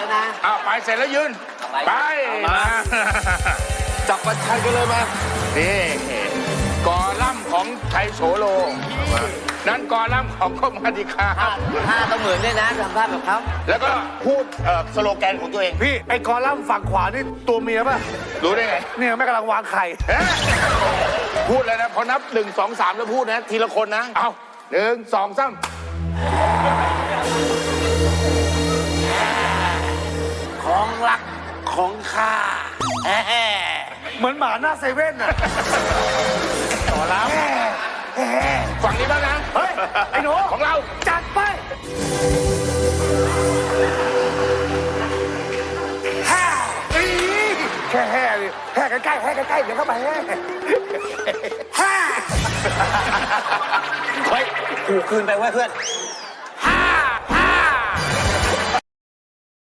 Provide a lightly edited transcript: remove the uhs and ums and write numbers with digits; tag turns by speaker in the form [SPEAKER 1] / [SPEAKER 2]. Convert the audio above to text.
[SPEAKER 1] นะ
[SPEAKER 2] ไปเสร็จแล้วยืนไปมาจับประชันกันเลยมานี่กอลัมน์ของไทยโสโลนั้นกอลัมน์ของก็มาดิคา
[SPEAKER 1] ท่าต้องเหมือนด้วยนะทำท่าแบบเขา
[SPEAKER 2] แล้วก็พูดสโลแกนของตัวเอง
[SPEAKER 3] พี่ไอ้กอลัมน์ฝั่งขวานี่ตัวเมียป่ะ
[SPEAKER 2] รู้ได้ไง
[SPEAKER 3] เนี่ยแม่กำลังวางไข่
[SPEAKER 2] พูดเลยนะพอนับ1 2 3แล้วพูดนะทีละคนนะเอา1 2 3
[SPEAKER 1] ของรักของข้า
[SPEAKER 3] เหมือนหมาหน้าเซเว่นน่ะ
[SPEAKER 2] ต่อแล้วฝั่งนี้บ้างนะ
[SPEAKER 3] เฮ้ยไอ้หนู
[SPEAKER 2] ของเรา
[SPEAKER 3] จัดไปแค่แห่ดิแห่ใกล้ๆแห่ใกล้ๆเดี๋ยวเข้าไปแห่
[SPEAKER 1] เฮ้ยกูคืนไปไว้เพื่อน